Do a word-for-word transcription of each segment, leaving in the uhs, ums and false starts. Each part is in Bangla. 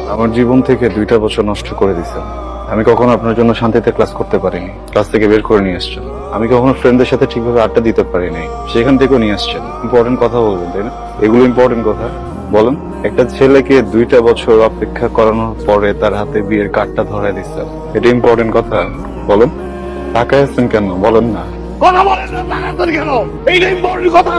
আমার জীবন থেকে দুইটা বছর নষ্ট করে দিছেন। আমি কখনো আপনার জন্য শান্তিতে ক্লাস করতে পারিনি, ক্লাস থেকে বের করে নিয়ে আসছেন। আমি কখনো ফ্রেন্ডদের সাথে ঠিকভাবে আড্ডা দিতে পারিনি, সেখান থেকেও নিয়ে আসছেন। ইম্পর্টেন্ট কথা বলবেন, তাই না? এগুলো ইম্পর্টেন্ট কথা বলেন। একটা ছেলেকে দুইটা বছর অপেক্ষা করানোর পরে তার হাতে বিয়ের কার্ডটা ধরে দিচ্ছেন, এটা ইম্পর্টেন্ট কথা বলেন। তাকায় আছেন কেন বলেন না? কথা বলেন না, তাড়াতাড়ি কেন? এইটা ইম্পর্টেন্ট কথা।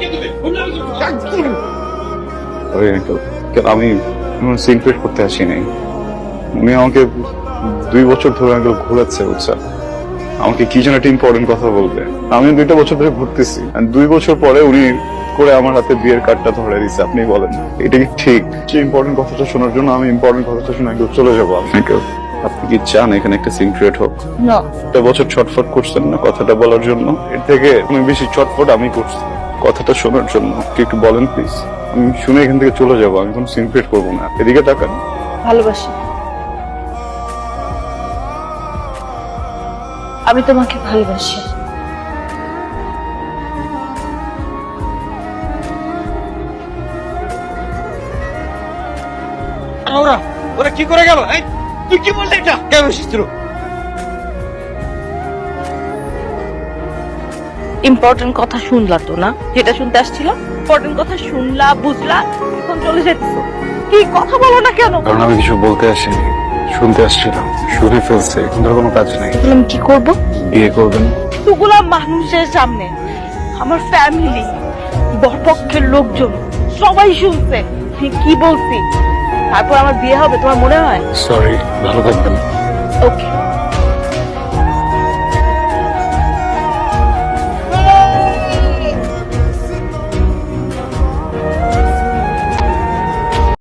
ওই uncle, কেন আমি সিনক্রেট করতে আসিনি। উনি আমাকে দুই বছর ধরে আঙ্কেল ঘোরাচ্ছে, বুঝছেন? আমাকে কি যেন একটা ইম্পর্টেন্ট কথা বলবে। আমি দুইটা বছর ধরে ঘুরতেছি, আর দুই বছর পরে উনি করে আমার হাতে বিয়ের কার্ডটা ধরে দিচ্ছে। আপনি বলেন এটা কি ঠিক? যে ইম্পর্টেন্ট কথাটা শোনার জন্য আমি ইম্পর্টেন্ট কথাটা শুনে আঙ্কেল চলে যাবো। আঙ্কেল, আপনি কি চান এখানে একটা সিনক্রেট হোক? না, একটা বছর ছটফট করছেন না কথাটা বলার জন্য, এর থেকে অনেক বেশি ছটফট আমি করছি কথাটা শোনার জন্য। কি একটু বলেন প্লিজ? আমি শুনে এখান থেকে চলে যাবো, আমি কোনো সিনক্রেট করবো না। এদিকে তাকান। ভালোবাসি। আমি তোমাকে ভালোবাসি। ওরা ওরা কি করে গেল? এই তুই কি বললি? এটা কেন এসেছিল? ইম্পর্টেন্ট কথা শুনলা তো না? যেটা শুনতে আসছিল ইম্পর্টেন্ট কথা শুনলা, বুঝলা, এখন চলে যেতেছো। কি কথা বলো না কেন? কারণ আমি কিছু বলতে আসিনি, শুনতে আসছিলাম। শুনে ফেলছে, এখন ধর কোনো কাজ নেই। তাহলে আমি কি করবো? বিয়ে করবেন? এতগুলা মানুষের সামনে, আমার ফ্যামিলি, বরপক্ষের লোকজন সবাই শুনছে আমি কি বলছি। তারপর আমার বিয়ে হবে তোমার মনে হয়? সরি, ভালো থাকবেন। ওকে।